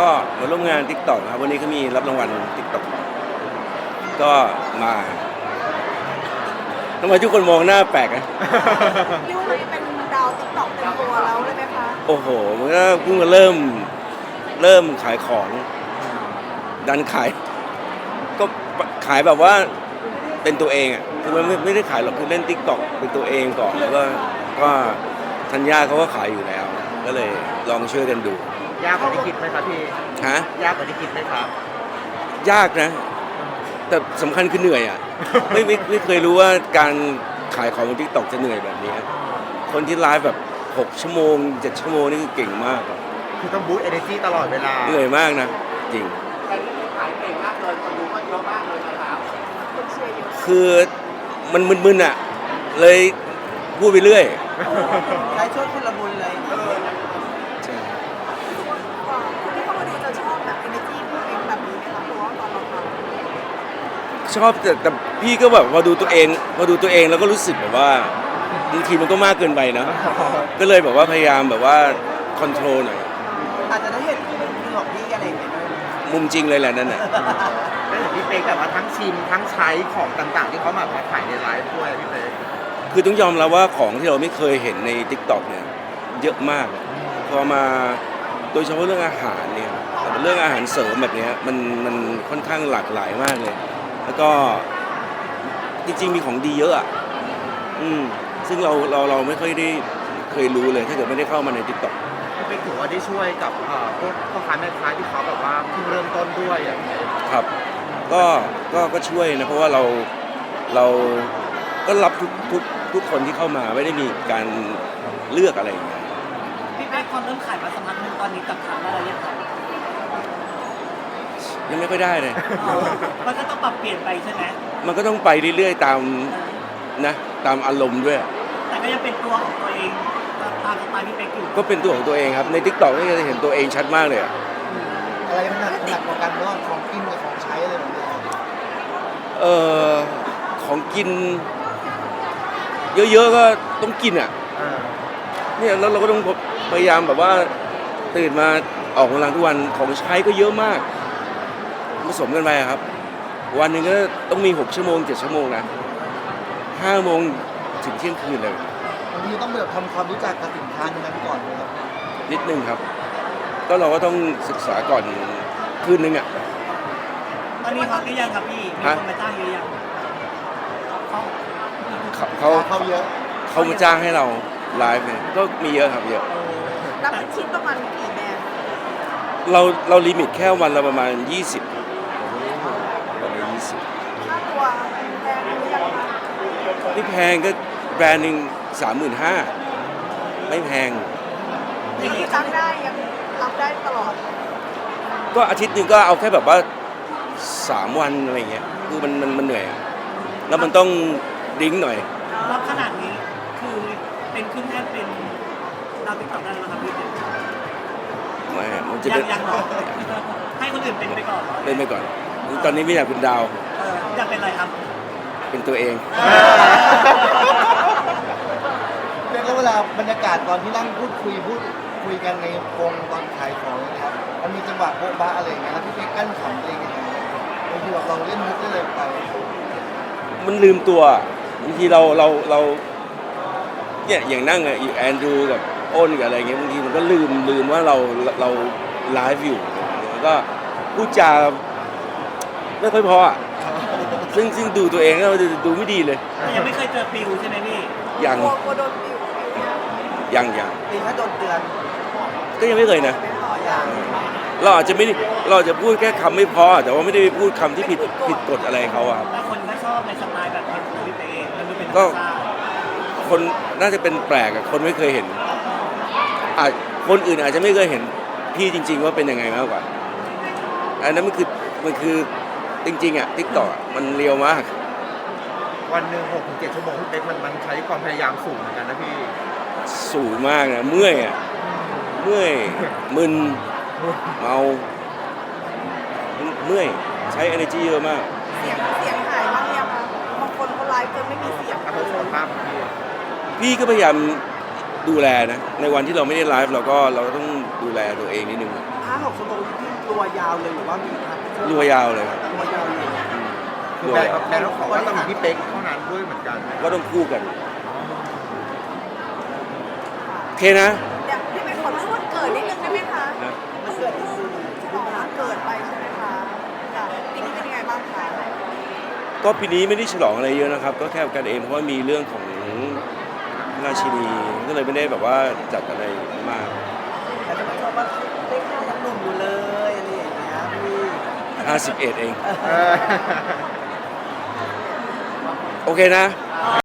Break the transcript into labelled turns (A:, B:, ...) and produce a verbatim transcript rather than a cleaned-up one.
A: ก็มาร่วมงาน TikTok นะครับวันนี้เขามีรับรางวัล TikTok ก็มาทำไมทุกคนมองหน้าแปลกอะ
B: ยูเป็นดาวติ๊กต็อกเต็มตัวแล้วเลยไหมคะ
A: โอ้โหมันก็เพิ่งมาเริ่มเริ่มขายของ ดันขาย ก็ขายแบบว่าเป็นตัวเองอ่ะคือมันไม่ไม่ได้ขายหรอกคือเล่น TikTok เป็นตัวเองก่อนแล้วก็ก็ธัญญาเขาก็ขายอยู่แล้ว ก็เลยลองช่วยกันดู
C: ยากกว่าที่คิดไหมครับพี่
A: ฮะ
C: ยากกว่าที่คิดไหมครับ
A: ยากนะ แต่สำคัญคือเหนื่อยอ่ะ ไม่ไม่ไม่เคยรู้ว่าการขายของบน TikTok จะเหนื่อยแบบนี้ คนที่ไลฟ์แบบหกชั่วโมงเจ็ดชั่วโมงนี่คือเก่งมากอะ
C: คือต้องบูสต์เอเนจีตลอดเวลา
A: เหนื่อยมากนะ จริง
D: แต่ที่ขายเก่งมากเลยคนดูก็เยอะมากเลยนะครับ
B: คนเชียร์เยอะ
A: คือมันมึนๆอ่ะ เลยพูดไปเรื่อย
B: ใช้ช่วยคุณละมุนเลย
A: ใช่
B: คนที่เข้ามาดูจะชอบแบบเอเนจีพวกเองแบบนี้ไหมคะเพราะว่าตอนเราท
A: ชอบแต่แต่พี่ก็แบบพอดูตัวเองพอดูตัวเองแล้วก็รู้สึกแบบว่าบางทีมันก็มากเกินไปนะ ก็เลยแบบว่าพยายามแบบว่าคอนโทรลหน่อย
B: ำอาจจะได้เห็นมุมของพี่อะไรอย่างเงี้ยด้วย
A: มุมจริงเลยแหละนั่นน่ะ
C: แล้วเห็นพี่เป๊กแบบว่าทั้งชิมทั้งใช้ของต่างๆ ที่เขามามาขายในไลฟ์ด้วยพี่เป๊ก
A: คือต้องยอมรับว่าของที่เราไม่เคยเห็นใน TikTok เนี่ยเยอะมาก พอมาโดยเฉพาะเรื่องอาหารเนี่ยเรื่องอาหารเสริมแบบเนี้ยมันมันค่อนข้างหลากหลายมากเลย แล้วก็จริงๆมีของดีเยอะอ่ะอืมซึ่งเราเราเราไม่ค่อยได้เคยรู้เลยถ้าเกิดไม่ได้เข้ามาใน TikTok
C: พี่เป๊กถือว่าได้ช่วยกับเอ่อพวกพ่อค้าแม่ค้าที่เขาแบบว่าเพิ่งเริ่มต้นด้วยอย่างเงี้ย
A: ครับก็ก็ก็ช่วยนะเพราะว่าเราเราก็รับทุกทุกทุกคนที่เข้ามาไม่ได้มีการเลือกอะไรอย่างเงี้ย
E: พี่แป๊กความเริ่มขายมาสักพักหนึงตอนนี้กับทางอะไรยังไง
A: ยังไม่ค่อยได้เลย
E: มันก็ต้องปรับเปลี่ยนไปใช่ไหม
A: มันก็ต้องไปเรื่อยๆตามนะตามอารมณ์ด้วย
E: แต่ก็ยังเป็นตัวของตัวเองตามสไตล์พี่แป๊กอยู่
A: ก็เป็นตัวของตัวเองครับใน TikTok นี่จะเห็นตัวเองชัดมากเลยอะ
C: อะไรมันหนักหนักกว่ากันระหว่างของกินกับของใช้อะไรแบบนี้
A: เอ่อของกิน เยอะๆก็ต้องกินอ่ะ
C: อ่า
A: เนี่ยแล้วเราก็ต้องพยายามแบบว่าตื่นมาออกกำลังทุกวันของใช้ก็เยอะมากผสมกันไปอะครับ วันหนึ่งก็ต้องมีหกชั่วโมงเจ็ดชั่วโมงนะห้าโมงถึงเที่ยงคืนเลย
C: บางทีต้องแบบทำความรู้จักกับสินค้านั้นก่อนนะครับ
A: นิดนึงครับ ก็เราก็ต้องศึกษาก่อนคืนนึงอ่ะ
E: ตอนนี้ฮอตหรือยังครับพี่มี
A: ฮะ
E: คนมาจ้างเยอะยังเขา
A: เขาเขา
C: เขาเยอะ
A: เขามาจ้างให้เราไลฟ์เนี่ยก็มีเยอะครับเยอะ
B: นับเป็นชิ้นประมาณกี่แบรนด์
A: เราเราลิมิตแค่วันละประมาณยี่สิบวันละยี่สิบ
B: ค่าตัวแพงหรือยังคะ
A: ไม่แพงก็แบรนด์หนึ่งสามหมื่นห้าไม่แพง
B: ยังจ้างได้ยังรับได้ตลอด
A: ก็อาทิตย์หนึ่งก็เอาแค่แบบว่าสามวันอะไรเงี้ยคือมันมันมันเหนื่อยอะแล้วมันต้องดริ้งหน่อย
E: รับขนาดนี้คือเป็นขึ้นแท่นเป็นดาวติ๊กต็อกได้แล้วนะครับพี่เป๊ก
A: ไม่มันจะ
E: ยั
A: เป็
E: ง
A: น
E: ยังหรอให้คนอื่นเป็นไปก่อน
A: เล่นไปก่อน ตอนนี้ไม่อยากเป็นดาว
E: เอออยากเป็นอะไรครับ
A: เป็นตัวเอง
C: เรียกว่าเวลาบรรยากาศตอนที่นั่งพูดคุยพูดคุยกันในวงตอนขายของนะครับมันมีจังหวะโบ๊ะบ้าอะไรอย่างเงี้ยแล้วพี่เป๊กกั้นขำเองยังไงบางทีแบบเราเล่นมุกได้เลยไป
A: มันลืมตัวบางทีเราเราเราเนี่ยอย่างนั่งอะแอนดรูกับอ้นกับอะไรเงี้ยบางทีมันก็ลืมลืมว่าเราเราไลฟ์อยู่แล้วก็พูดจาไม่ค่อยพออ่ะซึ่งซึ่งดูตัวเองแล้วดูไม่ดีเลย
E: แต่ยังไม่เคยเจอปิวใช่ไหมพี่
A: ยัง
B: กลัวกลัวโดนปิวปิวเนี่ย
A: ยังยัง
B: ปิวถ้าโดนเตือน
A: ก็ยังไม่เคยนะ
B: ไม่พออย่าง
A: เราอาจจะไม่ได้เราอาจจะพูดแค่คำไม่พอแต่ว่าไม่ได้ไปพูดคำที่ผิดผิดกฎอะไรเขาอะครับ
E: แต่คนก็ชอบในสไตล์แบบนี้ของพี่เป๊กเองมันดูเป็นธร
A: ก็
E: รมชาติ
A: คนน่าจะเป็นแปลกอะคนไม่เคยเห็นอาจคนอื่นอาจจะไม่เคยเห็นพี่จริง ๆ ว่าเป็นยังไงมากกว่าอันนั้นมันคือมันคือจริงๆอะทิกตอกมันเรียวมาก
C: วันหนึ่งหกถึงเจ็ดชั่วโมงพี่เป๊กมันมันใช้ความพยายามสูงเหมือนกันนะพี่
A: สูงมากนะเมื่อยอะเมื่อยมึนเมาเมื่อยใช้ energy เยอะมาก
B: เสียงเสียงหายบ้างยังคะบางคนเขาไลฟ์จนไม่มีเสียง
C: ถ้า
B: เล
C: เป็นสุข
B: ย
C: ภาพของพี่
A: พี่ก็พยายามดูแลนะในวันที่เราไม่ได้ไลฟ์เราก็เราก็ต้องดูแลตัวเองนิดนึง
B: ห้าหกชั่วโมงที่พี่
E: ตัวยาวเลยหรือว่ามีครับ
A: รัวยาวเลยครับ
E: ตัวยาวเลย
F: คือแบรนด์แบรนด์ต้องขอว่าต้องมีพี่เป๊กเท่านั้นด้วยเหมือนกัน
A: ก็ต้องคู่กันโอเคนะ
B: อยากพี่เป็นขอพูดเกิดนิดนึงได้ไหมคะ
A: นะ
B: เพิ่งเพิ่งฉลองวันเกิดไปใช่ไหมคะค่ะปีนี้เป็นยังไงบ้างคะ
A: ก็ปีนี้ไม่ได้ฉลองอะไรเยอะนะครับ ก็แค่กันเองเพราะว่ามีเรื่องของราชินีก็เลยไม่ได้แบบว่าจัดอะไรมาก
E: แต่จะมาชอบว่าเล็กหน้ายังหนุ่มอยู่เลยอะไรอย่างเงี้ยพี่
A: ห้าสิบเอ็ดเอง
F: เออ
A: โอเคนะ
B: ค